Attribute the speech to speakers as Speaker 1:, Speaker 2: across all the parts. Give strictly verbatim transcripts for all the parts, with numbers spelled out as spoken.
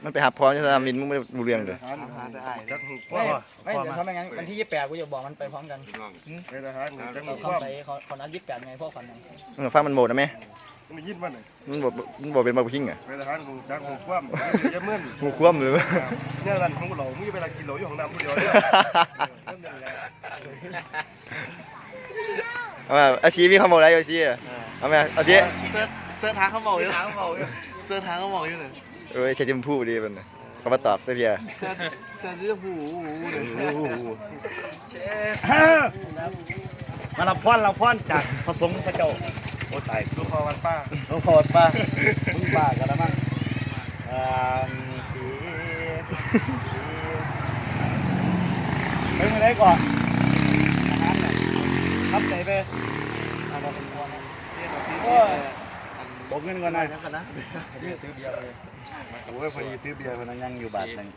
Speaker 1: มันไปหาพร้อมจะทำมินมึงไม่รู้เรื่องเลย
Speaker 2: ไม่ไม่เดี๋ยวทำยังไงวันที่ยี่สิบแปดกูจะบอกมันไปพร้อมกัน
Speaker 3: ไปทหารจังห
Speaker 2: เขา
Speaker 3: วัด
Speaker 2: ใส่เขาเขานัดยี่สิบแปดไงพวกคนนั้น
Speaker 1: มึงฟังมันโหมดนะแม่
Speaker 3: มันยินมันเลย
Speaker 1: มันบอกมันบอกเป็นบาร์บีคิงอ่ะ
Speaker 3: ไปทหารกูจังหูคว่ำจะเมื่อน
Speaker 1: หูคว่ำเลย
Speaker 3: เนี่ยรันของเรามึงจะไปรันกินเหล้าอยู่ของน้ำผู้เดียวเนี่ย
Speaker 1: เอามาอาชีพมีข้าวโมอะไรอาชีพเอามาอาชีพ
Speaker 4: เสื้อเสื้อทางเขาเมาอยู่ทางเขาเมาอยู่เสื้อทางเขาเมาอยู่เลย
Speaker 1: เอ้ยใช้จมพูดีมันเขามาตอบตัวเดียว
Speaker 4: เสื้อเสื้อที่หูหูเลย
Speaker 5: มารับพรรับพรจากพระสงฆ์พระเจ้าโอ้ตาย
Speaker 3: ลูกคอวันป้า
Speaker 5: หลวงพ่อป้ามึงบ้ากันแล้วมั้งอ่าสีไปเมื่อไรก่อนอาหารน่ะทับใจไปเอามาเป็นพรโอ้ยบอกเงินก่อนหน่อยนะซื้อเบียร์เลยโอ้ยพอดีซื้อเบียร์คนนั้นยังอยู่บาทหนึ่ง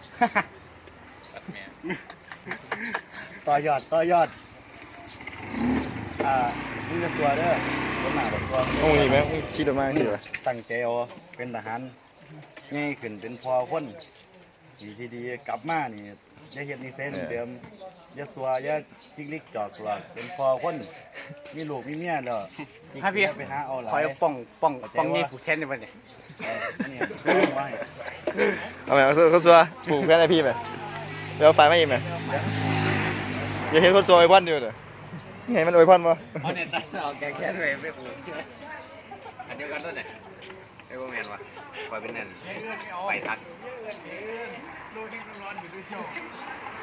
Speaker 5: ต่อยอดต่อยอดอ่ามึงจะสัวเด้อคนหนาแบบสัว
Speaker 1: โอ้ยแม่คิดออกมาคิดว่า
Speaker 5: ตั้งใจเอาเป็นทหารง่ายขึ้นเป็นพอคนดีที่ดีกลับมานี่อย่าเฮ็ดนิสัยเดิมๆอย่าสัวอย่าจิกลิกจอกหลอกเป็นพอคนมีลูกมีเมียแล้วให้พี่ไปหาเอาหลาย
Speaker 4: คอยป้องป้องป้องนี่ผูกแขนในวันนี้
Speaker 5: นี่เอาไว้
Speaker 1: เอาไปเอาเขาซัวปลูกแค่ไหนพี่ไปเดี๋ยวไฟไม่ยิงไหมอย่าเห็นคนซัวไอ้พันเดียวเลยนี่ไงมันโอ้ยพันปะ
Speaker 4: เอาเนี่ยตัดเอาแกแค่ด้วยไม่ผูกอันเดียวกันต้นเนี่ยไอ้พวกแมนวะคอยเป็นนั่นไปทัก